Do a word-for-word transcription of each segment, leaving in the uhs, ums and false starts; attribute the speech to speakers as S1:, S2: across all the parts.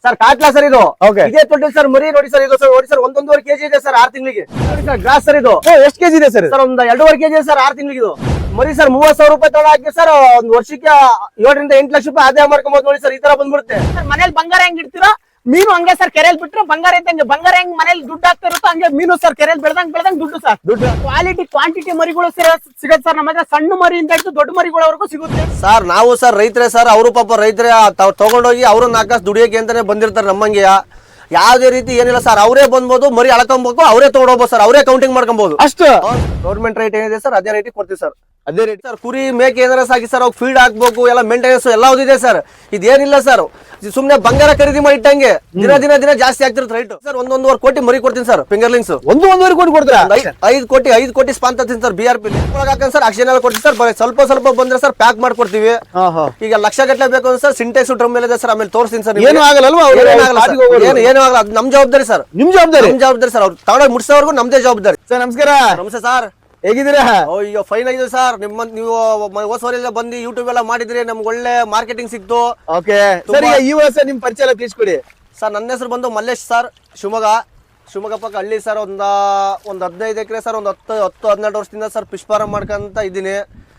S1: Sir catla sir ಇದು
S2: Okay.
S1: ಇದೇ ತೊಟ್ಟಿ ಸರ್ ಮರಿ ನೋಡಿ ಸರ್ ಇದು ಸರ್ ನೋಡಿ ಸರ್ ಒಂದೊಂದುವರೆ ಕೆಜಿ ಇದೆ ಸರ್ ಆರು ತಿಂಗಳಿಗೆ ನೋಡಿ ಸರ್ ಗ್ರಾಸ್ ಸರ್ ಇದು
S2: ಎಷ್ಟು ಕೆಜಿ ಇದೆ ಸರ್
S1: ಸರ್ ಒಂದ್ ಎರಡೂವರೆ ಕೆಜಿ ಇದೆ ಸರ್ ಆರು ತಿಂಗಳಿಗೆ ಇದು ಮರಿ ಸರ್ ಮೂವತ್ ಸಾವಿರ ರೂಪಾಯಿ ತಗೊಂಡು ಹಾಕಿ ಸರ್ ಒಂದ್ ವರ್ಷಕ್ಕೆ ಏಳರಿಂದ ಎಂಟು ಲಕ್ಷ ರೂಪಾಯಿ ಆದಾಯ ಮಾಡ್ಕೊಬಹುದು ನೋಡಿ ಸರ್ ಈ ತರ ಬಂದ್ಬಿಡುತ್ತೆ
S3: ಸರ್ ಮನೇಲಿ ಬಂಗಾರ ಹೆಂಗ್ ಇಡ್ತೀರೋ ಮೀನು ಹಂಗೆ ಸರ್ ಕೆರೆಯಲ್ಲಿ ಬಿಟ್ರೆ ಬಂಗಾರ ಇದ್ದಂಗೆ ಬಂಗಾರ ಹೆಂಗ್ ಮನೇಲಿ ದುಡ್ಡು ಆಗ್ತಾ ಇರುತ್ತೋ ಹಂಗೆ ಮೀನು ಸರ್ ಕೆರೆಯಲ್ಲಿ ಬೆಳ್ದಂಗ್ ಬೆಳ್ದಂಗ್ ದುಡ್ಡು ಸರ್ ದುಡ್ಡು ಕ್ವಾಲಿಟಿ ಕ್ವಾಂಟಿಟಿ ಮರಿಗಳು ಸಿಗುತ್ತೆ ಸರ್ ನಮ್ಮ ಹತ್ರ ಸಣ್ಣ ಮರಿಯಿಂದ ಹಿಡಿದು ದೊಡ್ಡ ಮರಿಗಳವರೆಗೂ ಸಿಗುತ್ತೆ
S1: ಸರ್ ನಾವು ಸರ್ ರೈತರೇ ಸರ್ ಅವರು ಪಾಪ ರೈತರೇ ತಾವ್ ತಗೊಂಡೋಗಿ ಅವ್ರು ನಾಲ್ಕು ದುಡಿಯೋಕೆ ಅಂತಾನೆ ಬಂದಿರ್ತಾರೆ ನಮ್ಮಂಗೆ ಯಾವ್ದೇ ರೀತಿ ಏನಿಲ್ಲ ಸರ್ ಅವರೇ ಬಂದ್ಬೋದು ಮರಿ ಅಳ್ಕೊಬೇಕು ಅವರೇ ತಗೊಂಡೋಗ್ಬೋದು ಸರ್ ಅವರೇ ಕೌಂಟಿಂಗ್ ಮಾಡ್ಕೊಬಹುದು
S2: ಅಷ್ಟು
S1: ಗೌರ್ಮೆಂಟ್ ರೇಟ್ ಏನಿದೆ ಸರ್ ಅದೇ ರೇಟ್ ಕೊಡ್ತೀವಿ ಸರ್ ಅದೇ ರೇಟ್ ಸರ್ ಕುರಿ ಮೇಕೆ ಏನಾರ ಸಾಕಿ ಸರ್ ಅವ್ರು ಫೀಡ್ ಹಾಕ್ಬೇಕು ಎಲ್ಲ ಮೇಂಟೆನೆನ್ಸ್ ಎಲ್ಲ ಇದೆ ಸರ್ ಇದೇನಿಲ್ಲ ಸರ್ ಸುಮ್ನೆ ಬಂಗಾರ ಖರೀದಿ ಮಾಡಿ ಇಟ್ಟಂಗೆ ದಿನ ದಿನ ದಿನ ಜಾಸ್ತಿ ಆಗ್ತಿರುತ್ತೆ ರೈಟ್ ಸರ್ ಒಂದೊಂದುವರೆ ಕೋಟಿ ಮರಿ ಕೊಡ್ತೀನಿ ಸರ್ ಫಿಂಗರ್ಲಿಂಗ್ಸ್
S2: ಒಂದು ಒಂದೂವರೆ ಕೋಟಿ ಕೊಡ್ತೀರಾ
S1: ಐದು ಕೋಟಿ ಐದು ಕೋಟಿ ಸ್ಪಾನ್ ತರ್ತೀನಿ ಸರ್ ಬಿ ಆರ್ ಪಿ ಹಾಕಂಡ್ ಸರ್ ಅಕ್ಷನ್ ಎಲ್ಲ ಕೊಡ್ತೀವಿ ಸರ್ ಬರೀ ಸ್ವಲ್ಪ ಸ್ವಲ್ಪ ಬಂದ್ರೆ ಸರ್ ಪ್ಯಾಕ್ ಮಾಡ್ಕೊಡ್ತೀವಿ ಈಗ ಲಕ್ಷ ಗಟ್ಟಲೆ ಬೇಕು ಅಂದ್ರೆ ಸರ್ ಸಿಂಟೆಕ್ಸ್ ಡ್ರಮ್ ಮೇಲೆ ಇದೆ ಸರ್ ಆಮೇಲೆ ತೋರಿಸ್ತೀನಿ ಸರ್
S2: ಏನು ಆಗಲ್ಲ
S1: ಏನು ಏನು ಆಗಲ್ಲ ಅದು ನಮ್ ಜವಾಬ್ದಾರಿ ಸರ್
S2: ನಿಮ್ ಜವಾಬ್ದಾರಿ
S1: ನಮ್ ಜವಾಬ್ದಾರಿ ಸರ್ ಅವ್ರು ತಗೊಂಡೋಗಿ ಮುಟ್ಸೋವರೆಗೂ ನಮ್ದೇ ಜವಾಬ್ದಾರಿ
S2: ಸರ್ ನಮಸ್ಕಾರ
S1: ನಮಸ್ತೆ ಸರ್
S2: ಹೇಗಿದ್ದೀರಾ
S1: ಈಗ ಫೈನ್ ಆಗಿದೆ ಸರ್ ನಿಮ್ಮ ನೀವು ಹೊಸವರೆಲ್ಲ ಬಂದು ಯೂಟ್ಯೂಬ್ ಎಲ್ಲ ಮಾಡಿದ್ರಿ ನಮ್ಗೆ ಒಳ್ಳೆ ಮಾರ್ಕೆಟಿಂಗ್ ಸಿಕ್ತು
S2: ಓಕೆ ಸರ್ ಈಗ ಈ ವರ್ಷ ನಿಮ್ ಪರಿಚಯ ಎಲ್ಲ ತಿಳಿಸ್ಕೊಡಿ
S1: ಸರ್ ನನ್ನ ಹೆಸರು ಬಂದು ಮಲ್ಲೇಶ್ ಸರ್ ಶಿವಮೊಗ್ಗ ಶಿವಮೊಗ್ಗ ಪಕ್ಕ ಹಳ್ಳಿ ಸರ್ ಒಂದ ಒಂದು ಹದಿನೈದು ಎಕರೆ ಸರ್ ಒಂದು ಹತ್ತು ಹತ್ತು ಹದಿನೆಂಟು ವರ್ಷದಿಂದ ಸರ್ ಫಿಶ್ ಫಾರ್ಮ್ ಮಾಡ್ಕೊಂತ ಇದ್ದೀನಿ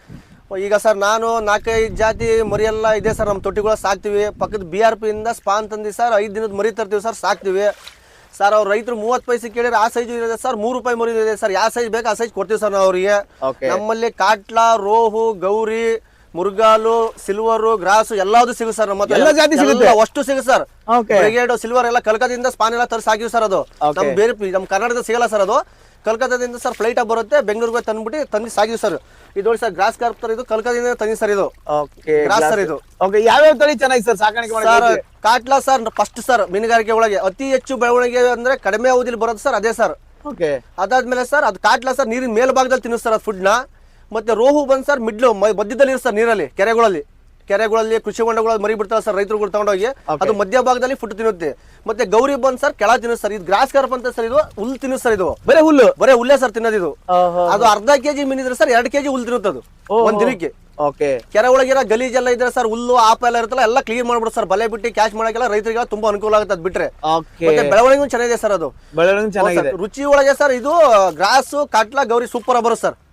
S1: ಈಗ ಸರ್ ನಾನು ನಾಲ್ಕೈದು ಜಾತಿ ಮರಿ ಎಲ್ಲ ಇದೆ ಸರ್ ನಮ್ಮ ತೊಟ್ಟಿಗಳು ಸಾಕ್ತಿವಿ ಪಕ್ಕದ ಬಿ ಆರ್ ಪಿ ಇಂದ ಸ್ಪಾನ್ ತಂದಿ ಸರ್ ಐದು ದಿನದ ಮರಿ ತರ್ತೀವಿ ಸರ್ ಸಾಕ್ತಿವಿ ಸರ್ ಅವ್ರ ರೈತರು ಮೂವತ್ತು ಪೈಸೆ ಕೇಳಿದ್ರೆ ಆ ಸೈಜ್ ಇದೆ ಸರ್ ಮೂರು ರೂಪಾಯಿ ಮರಿ ಇದೆ ಸರ್ ಯಾವ ಸೈಜ್ ಬೇಕು ಆ ಸೈಜ್ ಕೊಡ್ತೀವಿ ಸರ್ ನಾವು ಅವರಿಗೆ ನಮ್ಮಲ್ಲಿ ಕಾಟ್ಲಾ ರೋಹು ಗೌರಿ ಮುರ್ಗಾಲು ಸಿಲ್ವರ್ ಗ್ರಾಸು ಎಲ್ಲಾದ್ರು ಸಿಗುತ್ತೆ ಸರ್ ನಮ್ಮ
S2: ಎಲ್ಲ ಜಾತಿ ಸಿಗುತ್ತೆ
S1: ಅಷ್ಟು ಸಿಗುತ್ತೆ ಸರ್ ಬ್ರಿಗೇಡ್ ಸಿಲ್ವರ್ ಎಲ್ಲ ಕಲ್ಕತ್ತಾದಿಂದ ಸ್ಪಾನ್ ಎಲ್ಲ ತರಿಸಿ ಹಾಕಿವಿ ಸರ್ ಅದು ನಮ್ ಬೇರೆ ನಮ್ ಕರ್ನಾಟಕದ ಸಿಗಲ್ಲ ಸರ್ ಅದು ಕಲ್ಕತ್ತಾದಿಂದ ಸರ್ ಫ್ಲೈಟ್ ಆಗಿ ಬರುತ್ತೆ ಬೆಂಗಳೂರಿಗೆ ತಂದ್ಬಿಟ್ಟು ತಂದು ಸಾಗಿವಿ ಸರ್ ಇದು ನೋಡಿ ಸರ್ ಗ್ರಾಸ್ ಕಾರ್ಪ್ ತರ ಇದು ಕಲ್ಕತ್ತಾದಿಂದ ತಂದಿ ಸರ್ ಇದು ಗ್ರಾಸ್ ಸರ್ ಇದು
S2: ಯಾವ್ಯಾವ ತಳಿ ಚೆನ್ನಾಗಿ ಸರ್ ಸಾಕಾಣಿಕೆ
S1: sir catla sir first sir ಮೀನುಗಾರಿಕೆ ಒಳಗೆ ಅತಿ ಹೆಚ್ಚು ಬೆಳವಣಿಗೆ ಅಂದ್ರೆ ಕಡಿಮೆ ಅವಧಿಲಿ ಬರೋದು ಸರ್ ಅದೇ ಸರ್ ಅದಾದ್ಮೇಲೆ ಸರ್ ಅದು ಕಾಟ್ಲಾ ಸರ್ ನೀರಿನ ಮೇಲ್ಭಾಗದಲ್ಲಿ ತಿನ್ನಿಸ್ತಾರೆ ಅದು ಫುಡ್ ನ ಮತ್ತೆ ರೋಹು ಬಂದ್ ಸರ್ ಮಿಡ್ಲು ಮಧ್ಯದಲ್ಲಿ ಸರ್ ನೀರಲ್ಲಿ ಕೆರೆಗಳಲ್ಲಿ ಕೆರೆಗಳಲ್ಲಿ ಕೃಷಿ ಹೊಂಡಗಳಲ್ಲಿ ಮರಿ ಬಿಡ್ತಾರೆ ಸರ್ ರೈತರುಗಳು ತಗೊಂಡೋಗಿ ಅದು ಮಧ್ಯ ಭಾಗದಲ್ಲಿ ಫುಡ್ ತಿನ್ನುತ್ತೆ ಮತ್ತೆ ಗೌರಿ ಬಂದ್ ಸರ್ ಕೆಳ ತಿನ್ನಿಸ್ ಸರ್ ಇದು ಗ್ರಾಸ್ ಕಾರ್ಪ್ ಅಂತ ಸರ್ ಇದು ಹುಲ್ಲು ತಿನ್ನಿಸ್ ಸರ್ ಇದು
S2: ಬರೇ ಹುಲ್ಲು
S1: ಬರೇ ಹುಲ್ಲೇ ಸರ್ ತಿನ್ನೋದು ಇದು ಅದು ಅರ್ಧ ಕೆಜಿ ಮೀನಿದ್ರೆ ಸರ್ ಎರಡು ಕೆಜಿ ಹುಲ್ಲು ತಿನ್ನುತ್ತೆ ಅದು ಒಂದ್ ದಿನಕ್ಕೆ ಕೆರೆ ಒಳಗಿರೋ ಗಲೀಜೆಲ್ಲ ಇದ್ರೆ ಸರ್ ಹುಲ್ಲು ಆಪ ಎಲ್ಲ ಇರುತ್ತಲ್ಲ ಎಲ್ಲ ಕ್ಲೀನ್ ಮಾಡ್ಬಿಡು ಸರ್ ಬಲೆ ಬಿಟ್ಟು ಕ್ಯಾಚ್ ಮಾಡಕ್ಕೆಲ್ಲ ರೈತರಿಗೆಲ್ಲ ತುಂಬಾ ಅನುಕೂಲ ಆಗುತ್ತೆ ಅದ್ ಬಿಟ್ರೆ ಮತ್ತೆ ಬೆಳವಣಿಗೆ ಚೆನ್ನಾಗಿದೆ ಸರ್ ಅದು ರುಚಿ ಒಳಗೆ ಸರ್ ಇದು ಗ್ರಾಸ್ ಕಾಟ್ಲಾ ಗೌರಿ ಸೂಪರ್ ಬರುತ್ತೆ ಸರ್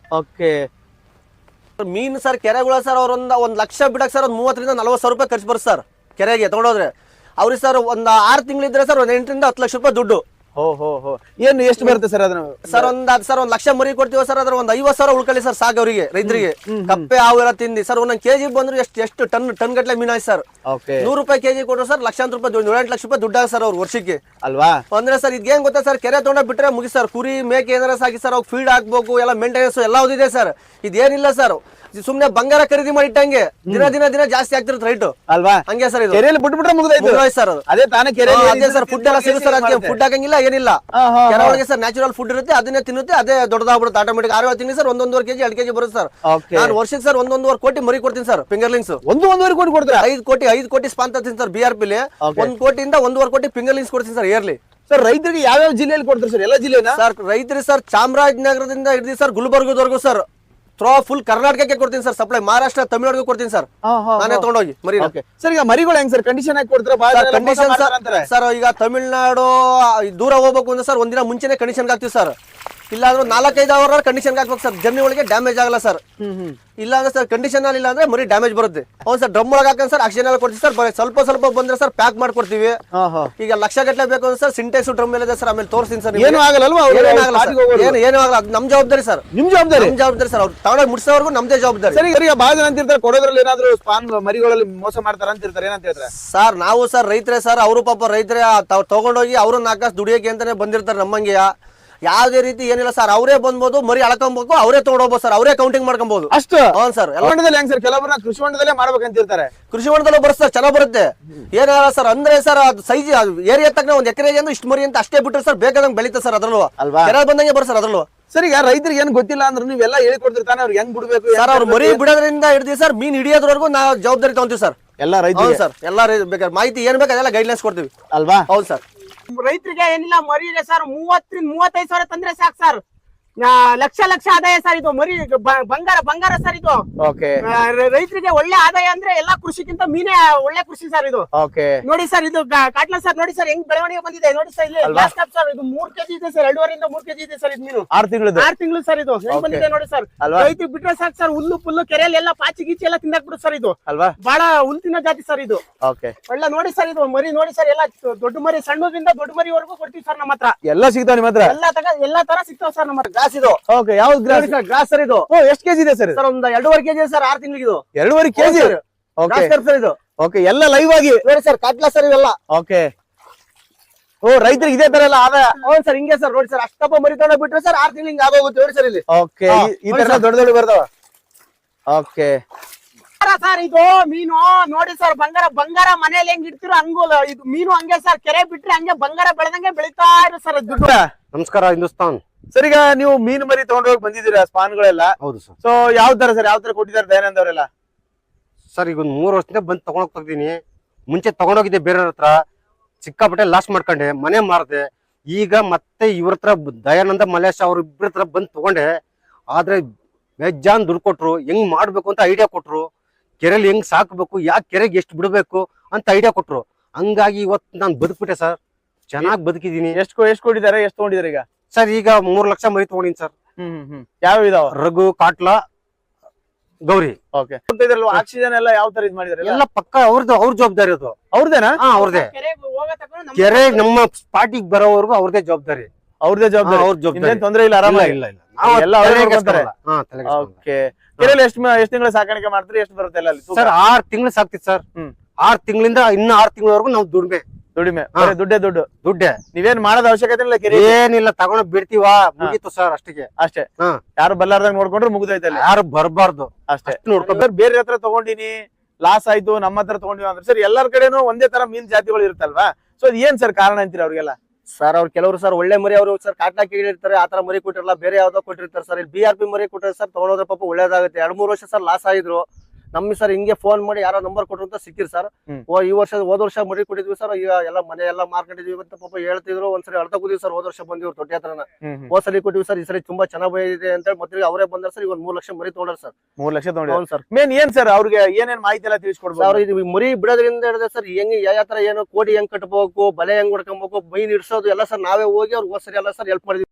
S1: ಮೀನ್ ಸರ್ ಕೆರೆಗಳ ಸರ್ ಅವ್ರೊಂದ್ ಒಂದ್ ಲಕ್ಷ ಬಿಡಕ್ ಸರ್ ಒಂದ್ ಮೂವತ್ತರಿಂದ ನಲ್ವತ್ತು ಸಾವಿರ ರೂಪಾಯಿ ಖರ್ಚು ಬರುತ್ತೆ ಸರ್ ಕೆರೆಗೆ ತಗೊಂಡೋದ್ರೆ ಅವ್ರಿಗೆ ಸರ್ ಒಂದ್ ಆರು ತಿಂಗಳಿದ್ರೆ ಸರ್ ಒಂದ್ ಎಂಟರಿಂದ ಹತ್ತು ಲಕ್ಷ ರೂಪಾಯಿ ದುಡ್ಡು
S2: ಏನು ಎಷ್ಟು ಬರುತ್ತೆ ಸರ್ ಅದನ್ನ
S1: ಸರ್ ಒಂದ್ ಸರ್ ಒಂದ್ ಲಕ್ಷ ಮರಿ ಕೊಡ್ತೀವಿ ಸರ್ ಅದ್ರ ಒಂದ್ ಐವತ್ ಸಾವಿರ ಉಳ್ಕೊಳ್ಳಿ ಸರ್ ಸಾಕು ಅವರಿಗೆ ರೈತರಿಗೆ ಕಪ್ಪೆ ಹಾವು ಎಲ್ಲ ತಿಂದಿ ಸರ್ ಒಂದೊಂದ್ ಕೆಜಿ ಬಂದ್ರು ಎಷ್ಟು ಎಷ್ಟು ಟನ್ ಟನ್ ಗಟ್ಲೆ ಮೀನ್ ಆಯ್ತು ಸರ್ ನೂರು ರೂಪಾಯಿ ಕೆಜಿ ಕೊಟ್ಟರು ಸರ್ ಲಕ್ಷಾಂತರ ರೂಪಾಯಿ ನೂರೆಂಟು ಲಕ್ಷ ರೂಪಾಯಿ ದುಡ್ಡಾಗ ಸರ್ ಅವ್ರು ವರ್ಷಕ್ಕೆ
S2: ಅಲ್ವಾ
S1: ಅಂದ್ರೆ ಸರ್ ಇದೇನ್ ಗೊತ್ತಾ ಸರ್ ಕೆರೆ ತಗೊಂಡ ಬಿಟ್ರೆ ಮುಗಿ ಸರ್ ಕುರಿ ಮೇಕೆ ಏನಾರ ಸಾಕಿ ಸರ್ ಅವ್ರು ಫೀಡ್ ಹಾಕ್ಬೇಕು ಎಲ್ಲ ಮೇಂಟೆನೆನ್ಸ್ ಎಲ್ಲ ಇದೆ ಸರ್ ಇದೇನಿಲ್ಲ ಸರ್ ಸುಮ್ನೆ ಬಂಗಾರ ಖರೀದಿ ಮಾಡಿ ಇಟ್ಟಂಗೆ ದಿನ ದಿನ ದಿನ ಜಾಸ್ತಿ ಆಗ್ತಿರುತ್ತೆ ರೈಟ್
S2: ಅಲ್ವಾ
S1: ಹಂಗೆ ಸರ್ ಇದು
S2: ಕೆರೆಯಲ್ಲಿ ಬಿಟ್ಬಿಟ್ರೆ ಮುಗಿದೈತು
S1: ಸರ್ ಅದು
S2: ಅದೇ ತಾನೇ ಕೆರೆ
S1: ಅದೇ ಸರ್ ಫುಡ್ ಎಲ್ಲ ಸಿಗುತ್ತೆ ಸರ್ ಅದಕ್ಕೆ ಫುಡ್ ಹಾಕಂಗಿಲ್ಲ ಏನಿಲ್ಲ ಕೆರೆ ಒಳಗೆ ಸರ್ ನ್ಯಾಚುರಲ್ ಫುಡ್ ಇರುತ್ತೆ ಅದನ್ನೇ ತಿನ್ನುತ್ತೆ ಅದೇ ದೊಡ್ಡದಾಗ್ಬಿಡುತ್ತೆ ಆಟೋಮೆಟಿಕ್ ಆರು ತಿನ್ನಿ ಸರ್ ಒಂದೊಂದುವರೆ ಕೆಜಿ ಎರಡು ಕೆಜಿ ಬರುತ್ತೆ ಸರ್ ನಾನು ವರ್ಷಕ್ಕೆ ಸರ್ ಒಂದೊಂದುವರೆ ಕೋಟಿ ಮರಿ ಕೊಡ್ತೀನಿ ಸರ್ ಫಿಂಗರ್ಲಿಂಗ್ಸ್
S2: ಒಂದು ಒಂದೂವರೆ ಕೋಟಿ ಕೊಡ್ತಾರೆ
S1: ಐದು ಕೋಟಿ ಐದು ಕೋಟಿ ಸ್ಪಾನ್ ತರ್ತೀನಿ ಸರ್ ಬಿ ಆರ್ ಪಿಲಿ ಒಂದ್ ಕೋಟಿಯಿಂದ ಒಂದೂವರೆ ಕೋಟಿ ಫಿಂಗರ್ಲಿಂಗ್ಸ್ ಕೊಡ್ತೀನಿ ಸರ್ ಇಯರ್ಲಿ
S2: ಸರ್ ರೈತರಿಗೆ ಯಾವ್ಯಾವ ಜಿಲ್ಲೆಯಲ್ಲಿ ಕೊಡ್ತಾರೆ ಸರ್ ಎಲ್ಲ ಜಿಲ್ಲೆನ
S1: ಸರ್ ರೈತರಿಗೆ ಸರ್ ಚಾಮರಾಜನಗರದಿಂದ ಹಿಡಿದು ಸರ್ ಗುಲ್ಬರ್ಗದವರೆಗೂ ಸರ್ ಥ್ರೋ ಫುಲ್ ಕರ್ನಾಟಕಕ್ಕೆ ಕೊಡ್ತೀನಿ ಸರ್ ಸಪ್ಲೈ ಮಹಾರಾಷ್ಟ್ರ ತಮಿಳ್ನಾಡಿಗೂ ಕೊಡ್ತೀನಿ ಸರ್ ನಾನೇ ತಗೊಂಡೋಗಿ ಮರಿ
S2: ಸರ್ ಈಗ ಮರಿಗಳು ಹೆಂಗ್ ಸರ್ ಕಂಡೀಷನ್ ಆಗಿ ಕೊಡ್ತಾರೆ
S1: ಕಂಡೀಷನ್ ಸರ್ ಈಗ ತಮಿಳ್ನಾಡು ದೂರ ಹೋಗ್ಬೇಕು ಅಂದ್ರೆ ಸರ್ ಒಂದಿನ ಮುಂಚೆನೆ ಕಂಡೀಷನ್ ಹಾಕ್ತಿವಿ ಸರ್ ಇಲ್ಲ ಅಂದ್ರೆ ನಾಲ್ಕೈದು ಅವರ್ ಕಂಡೀಷನ್ ಹಾಕ್ಬೇಕು ಸರ್ ಜರ್ನಿ ಒಳಗೆ ಡ್ಯಾಮೇಜ್ ಆಗಲ್ಲ ಸರ್ ಇಲ್ಲ ಅಂದ್ರೆ ಸರ್ ಕಂಡೀಷನ್ ಅಲ್ಲಿ ಇಲ್ಲ ಅಂದ್ರೆ ಮರಿ ಡ್ಯಾಮೇಜ್ ಬರುತ್ತೆ ಅವ್ನು ಸರ್ ಡ್ರಮ್ ಒಳಗೆ ಹಾಕಂಡ್ ಸರ್ ಆಕ್ಷನ್ ಎಲ್ಲ ಕೊಡ್ತೀವಿ ಸರ್ ಬರೀ ಸ್ವಲ್ಪ ಸ್ವಲ್ಪ ಬಂದ್ರೆ ಸರ್ ಪ್ಯಾಕ್ ಮಾಡ್ಕೊಡ್ತೀವಿ ಈಗ ಲಕ್ಷ ಗಟ್ಟಲೆ ಬೇಕು ಅಂದ್ರೆ ಸರ್ ಸಿಂಟೆಕ್ಸ್ ಡ್ರಮ್ ಮೇಲೆ ಇದೆ ಸರ್ ಆಮೇಲೆ ತೋರಿಸ್ತೀನಿ ಸರ್
S2: ಏನು ಆಗಲ್ಲ
S1: ಏನು ಏನು ಆಗಲ್ಲ ಅದು ನಮ್ ಜವಾಬ್ದಾರಿ ಸರ್
S2: ನಿಮ್ ಜವಾಬ್ದಾರಿ
S1: ನಮ್ ಜವಾಬ್ದಾರಿ ಸರ್ ಅವ್ರು ತಗೊಂಡೋಗಿ ಮುಟ್ಸೋವರೆಗೂ ನಮ್ದೇ ಜವಾಬ್ದಾರಿ
S2: ಸರಿ ಈಗ ಬಹಳ ಜನ ಅಂತಿರ್ತಾರೆ ಕೊಡೋದ್ರಲ್ಲಿ ಏನಾದ್ರು ಸ್ಪಾನ್ ಮರಿಗಳಲ್ಲಿ ಮೋಸ ಮಾಡ್ತಾರ ಅಂತಿರ್ತಾರೆ ಏನಂತ ಹೇಳ್ತಾರೆ
S1: ಸರ್ ನಾವು ಸರ್ ರೈತರೇ ಸರ್ ಅವರು ಪಾಪ ರೈತರೇ ತಾವ್ ತಗೊಂಡೋಗಿ ಅವ್ರು ನಾಲ್ಕು ದುಡಿಯೋಕೆ ಅಂತಾನೆ ಬಂದಿರ್ತಾರೆ ನಮ್ಮಂಗೆ ಯಾವ್ದೇ ರೀತಿ ಏನಿಲ್ಲ ಸರ್ ಅವರೇ ಬಂದ್ಬೋದು ಮರಿ ಅಳ್ಕೊಬೇಕು ಅವರೇ ತಗೊಂಡೋಗ್ಬೋದು ಸರ್ ಅವರೇ ಕೌಂಟಿಂಗ್ ಮಾಡ್ಕೊಬಹುದು ಅಷ್ಟು ಹೌದು ಸರ್
S2: ಹೊಂಡದಲ್ಲಿ ಹೆಂಗ್ ಸರ್ ಕೆಲವೊಬ್ಬರನ್ನ ಕೃಷಿ ಹೊಂಡದಲ್ಲೇ ಮಾಡ್ಬೇಕಂತಿರ್ತಾರೆ
S1: ಕೃಷಿ ಹೊಂಡದಲ್ಲೂ ಬರುತ್ತೆ ಸರ್ ಚೆನ್ನಾಗ್ ಬರುತ್ತೆ ಏನಾರ ಸರ್ ಅಂದ್ರೆ ಸರ್ ಅದು ಸೈಜ್ ಏರಿಯಾ ತಕ್ಕ ಒಂದ್ ಎಕರೆ ಅಂದ್ರೆ ಇಷ್ಟು ಮರಿ ಅಂತ ಅಷ್ಟೇ ಬಿಟ್ಟರೆ ಸರ್ ಬೇಕಾದಂಗೆ ಬೆಳೀತಾ ಸರ್ ಅದ್ರಲ್ಲೂ ಅಲ್ವಾ ಕೆರೆ ಬಂದಂಗೆ ಬರ್ ಸರ್ ಅದ್ರಲ್ಲೂ
S2: ಸರ್ ಈಗ ರೈತರಿಗೆ ಏನ್ ಗೊತ್ತಿಲ್ಲ ಅಂದ್ರೆ ನೀವೆಲ್ಲ ಹೇಳ್ಕೊಡ್ತಿರ್ತಾನೆ ಅವ್ರಿಗೆ ಹೆಂಗ್ ಬಿಡ್ಬೇಕು
S1: ಸರ್ ಅವ್ರು ಮರಿ ಬಿಡೋದ್ರಿಂದ ಹಿಡಿದಿ ಸರ್ ಮೀನ್ ಹಿಡಿಯೋದ್ರವರೆಗೂ ನಾವು ಜವಾಬ್ದಾರಿ ತಗೊಂತೀವಿ ಸರ್
S2: ಎಲ್ಲ ರೈತರು
S1: ಸರ್ ಎಲ್ಲ ಬೇಕಾದ್ರೆ ಮಾಹಿತಿ ಏನ್ ಬೇಕು ಅದೆಲ್ಲ ಗೈಡ್ಲೈನ್ಸ್ ಕೊಡ್ತೀವಿ
S2: ಅಲ್ವಾ
S1: ಹೌದು ಸರ್
S3: ರೈತರಿಗೆ ಏನಿಲ್ಲ ಮರಿ ಇದೆ ಸರ್ ಮೂವತ್ತರಿಂದ ಮೂವತ್ತೈದು ಸಾವಿರ ತಂದ್ರೆ ಸಾಕು ಸರ್ ಆ, ಲಕ್ಷ ಲಕ್ಷ ಆದಾಯ ಸರ್ ಇದು ಮರಿ ಬ- ಬಂಗಾರ ಬಂಗಾರ ಸರ್ ಇದು
S2: ಓಕೆ
S3: ಆ, ರ- ರೈತರಿಗೆ ಒಳ್ಳೆ ಆದಾಯ ಅಂದ್ರೆ ಎಲ್ಲಾ ಕೃಷಿಗಿಂತ ಮೀನೇ ಒಳ್ಳೆ ಕೃಷಿ ಸರ್ ಇದು
S2: ಓಕೆ
S3: ನೋಡಿ ಸರ್ ಇದು ಗ- ಕಾಟ್ಲ ಸರ್ ನೋಡಿ ಸರ್ ಹೆಂಗ್ ಬೆಳವಣಿಗೆ ಬಂದಿದೆ ನೋಡಿ ಸರ್ ಇಲ್ಲಿ
S2: ಅಲ್ವಾ?
S3: ಗ್ಲಾಸ್ ಕಪ್ ಸರ್ ಇದು ಮೂರ್ ಕೆಜಿ ಇದೆ ಸರ್ ಎರಡೂವರೆಯಿಂದ ಮೂರ್ ಕೆಜಿ ಇದೆ ಸರ್ ಇದು ಮೀನು
S2: ಆರ್ ತಿಂಗಳದ್ದು
S3: ಆರ್ ತಿಂಗಳು ಸರ್ ಇದು ಹೆಂಗ್
S2: Okay.
S3: ಬಂದಿದೆ ನೋಡಿ ಸರ್
S2: ಅಲ್ವಾ?
S3: ರೈತ ಬಿಟ್ರೆ ಸಾಕು ಸರ್ ಹುಲ್ಲು ಪುಲ್ಲು ಕೆರೆಯಲ್ಲಿ ಎಲ್ಲ ಪಾಚಿ ಗೀಚಿ ಎಲ್ಲ ತಿಂದಾಕ್ ಬಿಡು ಸರ್ ಇದು
S2: ಅಲ್ವಾ
S3: ಬಹಳ ಹುಲ್ ತಿನ್ನೋ ಜಾತಿ ಸರ್ ಇದು
S2: ಓಕೆ
S3: ಒಳ್ಳೆ ನೋಡಿ ಸರ್ ಇದು ಮರಿ ನೋಡಿ ಸರ್ ಎಲ್ಲ ದೊಡ್ಡ ಮರಿ ಸಣ್ಣದಿಂದ ದೊಡ್ಡ ಮರಿವರೆಗೂ ಕೊಡ್ತೀವಿ ಸರ್ ನಮ್ಮ ಹತ್ರ
S2: ಎಲ್ಲ ಸಿಗ್ತಾವ ನಿಮ್ಮ ಹತ್ರ
S3: ಎಲ್ಲಾ ತಗ ಎಲ್ಲಾ ತರ ಸಿಗ್ತಾವ ಸರ್ ನಮ್ಮ ಹತ್ರ
S1: ಗ್ಲಾಸ್ ಇದು
S2: ಓಕೆ ಯಾವ್ದು ಗ್ರಾಸ್
S1: ಸರ್ ಗ್ಲಾಸ್ ಸರ್ ಇದು
S2: ಓ ಎಷ್ಟು ಕೆಜಿ ಇದೆ ಸರ್
S1: ಸರ್ ಒಂದ್ ಎರಡೂವರೆ ಕೆಜಿ ಸರ್ ಆರ್ ತಿಂಗಳಿಗೆ ಇದು
S2: ಎರಡೂವರೆ ಕೆಜಿ
S1: ಹೌದು
S2: ಓಕೆ
S1: ಗ್ಲಾಸ್ ಸರ್ ಇದು
S2: ಓಕೆ ಎಲ್ಲ ಲೈವ್ ಆಗಿ
S1: ನೋಡಿ ಸರ್ ಕಾಟ್ಲಾ ಸರ್ ಇವೆಲ್ಲ
S2: ಓಕೆ ಓ ರೈತರಿಗೆ ಇದೇ ತರ ಎಲ್ಲ ಆದಾಯ
S1: ಹೌದು ಸರ್ ಹಿಂಗೆ ಸರ್ ನೋಡಿ ಸರ್ ಅಷ್ಟಪ್ಪ ಮರಿ ತಗೊಂಡ ಬಿಟ್ರೆ ಸರ್ ಆರ್ ತಿಂಗಳಿಗೆ ಆಗೋಗುತ್ತೆ ನೋಡಿ ಸರ್ ಇಲ್ಲಿ
S2: ಓಕೆ
S1: ಹಾ,
S2: ಈ
S1: ನೋಡಿ
S2: ತರ
S1: ಸರ್.
S2: ದೊಡ್ಡ ದೊಡ್ಡ ಬರ್ತಾವ ಓಕೆ
S3: ಸರ್ ಇದು ಮೀನು ನೋಡಿ ಸರ್ ಬಂಗಾರ ಬಂಗಾರ ಮನೇಲಿ ಹೆಂಗ್ ಇಡ್ತಿರೋ ಹಂಗು ಇದು ಮೀನು ಹಂಗೆ ಸರ್ ಕೆರೆ ಬಿಟ್ರೆ ಹಂಗೆ ಬಂಗಾರ ಬೆಳೆದಂಗೆ ಬೆಳಿತಾ ಇರೋ ಸರ್ ಅದು ದುಡ್ಡು
S1: ನಮಸ್ಕಾರ ಹಿಂದೂಸ್ತಾನ್
S2: ಸರ್ ಈಗ ನೀವು ಮೀನು ಮರಿ ತಗೊಂಡೋಗಿ ಬಂದಿದ್ದೀರಾ ಸ್ಪಾನ್ಗಳೆಲ್ಲ
S1: ಹೌದು ಸರ್
S2: ಸೊ ಯಾವ ತರ ಸರ್ ಯಾವ ತರ ಕೊಟ್ಟಿದ್ದಾರೆ ದಯಾನಂದ್ ಅವರೆಲ್ಲ
S1: ಸರ್ ಈಗ ಒಂದ್ ಮೂರ್ ವರ್ಷದಿಂದ ಬಂದು ತಗೊಂಡೋಗ್ ತೆಗ್ದೀನಿ ಮುಂಚೆ ತಗೊಂಡೋಗಿದ್ದೆ ಬೇರೆಯವ್ರ ಹತ್ರ ಸಿಕ್ಕಾಪಟ್ಟೆ ಲಾಸ್ ಮಾಡ್ಕೊಂಡೆ ಮನೆ ಮಾರದೆ ಈಗ ಮತ್ತೆ ಇವ್ರ ಹತ್ರ ಬ- ದಯಾನಂದ ಮಲೇಶ್ ಅವ್ರ ಇಬ್ಬರ ಹತ್ರ ಬಂದು ತಗೊಂಡೆ ಆದ್ರೆ ಬೇಜಾನ್ ದುಡ್ಡು ಕೊಟ್ರು ಹೆಂಗ್ ಮಾಡ್ಬೇಕು ಅಂತ ಐಡಿಯಾ ಕೊಟ್ರು ಕೆರೆಲಿ ಹೆಂಗ್ ಸಾಕ್ಬೇಕು ಯಾಕೆ ಕೆರೆಗೆ ಎಷ್ಟು ಬಿಡ್ಬೇಕು ಅಂತ ಐಡಿಯಾ ಕೊಟ್ರು ಹಂಗಾಗಿ ಇವತ್ತು ನಾನು ಬದುಕ್ಬಿಟ್ಟೆ ಸರ್ ಚೆನ್ನಾಗಿ ಬದುಕಿದೀನಿ
S2: ಎಷ್ಟು ಎಷ್ಟು ಕೊಟ್ಟಿದ್ದಾರೆ ಎಷ್ಟು ತಗೊಂಡಿದ್ದಾರೆ ಈಗ
S1: ಸರ್ ಈಗ ಮೂರ್ ಲಕ್ಷ ಮರಿ ತಗೊಂಡಿನಿ ಸರ್
S2: ಹ್ಮ್ ಹ್ಮ್ ಹ್ಮ್ ಯಾವ ಇದಾವ
S1: ರಘು ಕಾಟ್ಲಾ ಗೌರಿ
S2: ಓಕೆ ಆಕ್ಸಿಜನ್ ಎಲ್ಲ ಯಾವ ತರ ಇದ್ ಮಾಡಿದಾರೆ
S1: ಎಲ್ಲ ಪಕ್ಕ ಅವ್ರದ್ದು ಅವ್ರ ಜವಾಬ್ದಾರಿ ಅದು
S2: ಅವ್ರದೇನಾ
S1: ಹಾ ಅವ್ರದೇ
S3: ಕೆರೆಗೆ ಹೋಗೋ ತಗೊಂಡು ನಮ್ಮ
S1: ಕೆರೆ ನಮ್ಮ ಸ್ಪಾಟಿಗೆ ಬರೋವರೆಗೂ ಅವ್ರದೇ ಜವಾಬ್ದಾರಿ
S2: ಅವ್ರದೇ
S1: ಹಾ,
S2: ಜವಾಬ್ದಾರಿ
S1: ಅವ್ರ ಜವಾಬ್ದಾರಿ
S2: ಇನ್ನೇನ್ ತೊಂದ್ರೆ ಇಲ್ಲ
S1: ಇಲ್ಲ
S2: ಆರಾಮಾಗಿ
S1: ಇಲ್ಲ ಇಲ್ಲ ನಾವು
S2: ಎಲ್ಲ ಅವ್ರೇ
S1: ತಲೆಗೆ
S2: ನೋಡ್ಕೊಂತಾರೆ.
S1: ಕೆಡ್ಸ್ಕೊಳಲ್ಲ. ಹಾ, ತಲೆಗೆ ಕೆಡ್ಸ್ಕೊಳಲ್ಲ.
S2: ಓಕೆ ಕೆರೆಯಲ್ಲಿ ಎಷ್ಟು ಎಷ್ಟು ತಿಂಗಳ ಸಾಕಾಣಿಕೆ ಮಾಡ್ತೀರಿ ಎಷ್ಟು ಬರುತ್ತೆ ಎಲ್ಲ ಅಲ್ಲಿ ತೂಕ?
S1: ಸರ್ ಆರ್ ತಿಂಗಳು ಸಾಕ್ತಿತ್ತು ಸರ್
S2: ಹ್ಮ್.
S1: ಆರ್ ತಿಂಗಳಿಂದ ಇನ್ನು ಆರ್ ತಿಂಗಳವರೆಗೂ ನಾವು ದುಡ್ಮೆ
S2: ದುಡಿಮೆ
S1: ಹಾ.
S2: ಬರೀ ದುಡ್ಡೇ ದುಡ್ಡು
S1: ದುಡ್ಡೆ
S2: ನೀವೇನ್ ಮಾಡೋದ್ ಅವಶ್ಯಕತೆ ಇಲ್ಲ ಕೆರೆ
S1: ಏನಿಲ್ಲ ತಗೊಂಡ್ ಬಿಡ್ತೀವ ಮುಗೀತು ಸರ್ ಅಷ್ಟಿಗೆ
S2: ಅಷ್ಟೇ
S1: ಹಾ.
S2: ಯಾರು ಬಲ್ಲಾರ್ದಂಗ್ ನೋಡ್ಕೊಂಡ್ರೆ ಮುಗ್ದೈತೆ ಅಲ್ಲಿ
S1: ಯಾರು ಬರ್ಬಾರ್ದು
S2: ಅಷ್ಟೇ
S1: ಅಷ್ಟು ನೋಡ್ಕೊಬೇಕು
S2: ಸರ್ ಬೇರೆ ಹತ್ರ ತಗೊಂಡಿನಿ ಲಾಸ್ ಆಯ್ತು ನಮ್ಮ ಹತ್ರ ತಗೊಂಡಿವಿ ಅಂದ್ರೆ ಸರ್ ಎಲ್ಲರ ಕಡೆನೂ ಒಂದೇ ತರ ಮೀನ್ ಜಾತಿಗಳು ಇರುತ್ತಲ್ವಾ ಸೊ ಅದ್ ಏನ್ ಸರ್ ಕಾರಣ ಅಂತೀರಿ ಅವ್ರಿಗೆಲ್ಲ
S1: ಸರ್ ಅವ್ರು ಕೆಲವರು ಸರ್ ಒಳ್ಳೆ ಮರಿ ಅವರು ಸರ್ ಕಾಟ್ಲಾ ಕೇಳಿರ್ತಾರೆ ಆತರ ಮರಿ ಕೊಟ್ಟಿರಲ್ಲ ಬೇರೆ ಯಾವ್ದೋ ಕೊಟ್ಟಿರ್ತಾರೆ ಸರ್ ಇಲ್ಲಿ ಬಿ ಆರ್ ಪಿ ಮರಿ ಕೊಟ್ಟರೆ ಸರ್ ತಗೊಳೋದ್ರ ಪಾಪ ಒಳ್ಳೇದಾಗುತ್ತೆ ಎರಡ್ ಮೂರು ವರ್ಷ ಸರ್ ಲಾಸ್ ಆಗಿದ್ರು ನಮ್ಗೆ ಸರ್ ಹಿಂಗೆ ಫೋನ್ ಮಾಡಿ ಯಾರೋ ನಂಬರ್ ಕೊಟ್ರು ಅಂತ ಸಿಕ್ಕಿರ್ ಸರ್
S2: ಹ್ಮ್.
S1: ಓ ಈ ವರ್ಷ ಹೋದ ವರ್ಷ ಮರಿ ಕೊಟ್ಟಿದ್ವಿ ಸರ್ ಈಗ ಎಲ್ಲ ಮನೆ ಎಲ್ಲ ಮಾರ್ಕೊಂಡಿದ್ವಿ ಅಂತ ಪಾಪ ಹೇಳ್ತಿದ್ರು ಒಂದ್ಸರಿ ಅಳ್ತಾ ಕೂದಿವಿ ಸರ್ ಹೋದ ವರ್ಷ ಬಂದಿವ್ರು ತೊಟ್ಟಿ ಹತ್ರನ ಹೋದ್ ಸರಿ ಕೊಟ್ಟಿವಿ ಸರ್ ಈ ಸರಿ ತುಂಬಾ ಚೆನ್ನಾಗಿ ಬಂದಿದೆ ಅಂತ ಮತ್ತೆ ಅವರೇ ಬಂದಾರ ಸರ್ ಈಗ ಒಂದ್ ಮೂರ್ ಲಕ್ಷ ಮರಿ ತಗೊಂಡ್ರ ಸರ್
S2: ಮೂರ್ ಲಕ್ಷ ತಗೊಂಡಿದ್ದಾರೆ
S1: ಹೌದು ಸರ್
S2: ಮೇನ್ ಏನ್ ಸರ್ ಅವ್ರಿಗೆ ಏನೇನ್ ಮಾಹಿತಿ ಎಲ್ಲ
S1: ಸರ್
S2: ತಿಳಿಸ್ಕೊಡ್ಬೋದು
S1: ಇದು ಮರಿ ಬಿಡೋದ್ರಿಂದ ಹಿಡಿದ್ರೆ ಸರ್ ಹೆಂಗ್ ಯಾವ ತರ ಏನು ಕೋಡಿ ಹೆಂಗ್ ಕಟ್ಬೇಕು ಬಲೆ ಹೆಂಗ್ ಹೊಡ್ಕೊಬೇಕು ಮೈನ್ ಇಡ್ಸೋದು ಎಲ್ಲ ಸರ್ ನಾವೇ ಹೋಗಿ ಅವ್ರಿಗೆ ಹೋದ್ ಸರಿ ಎಲ್ಲ ಸರ್ ಹೆಲ್ಪ್ ಮಾಡಿದ್ವಿ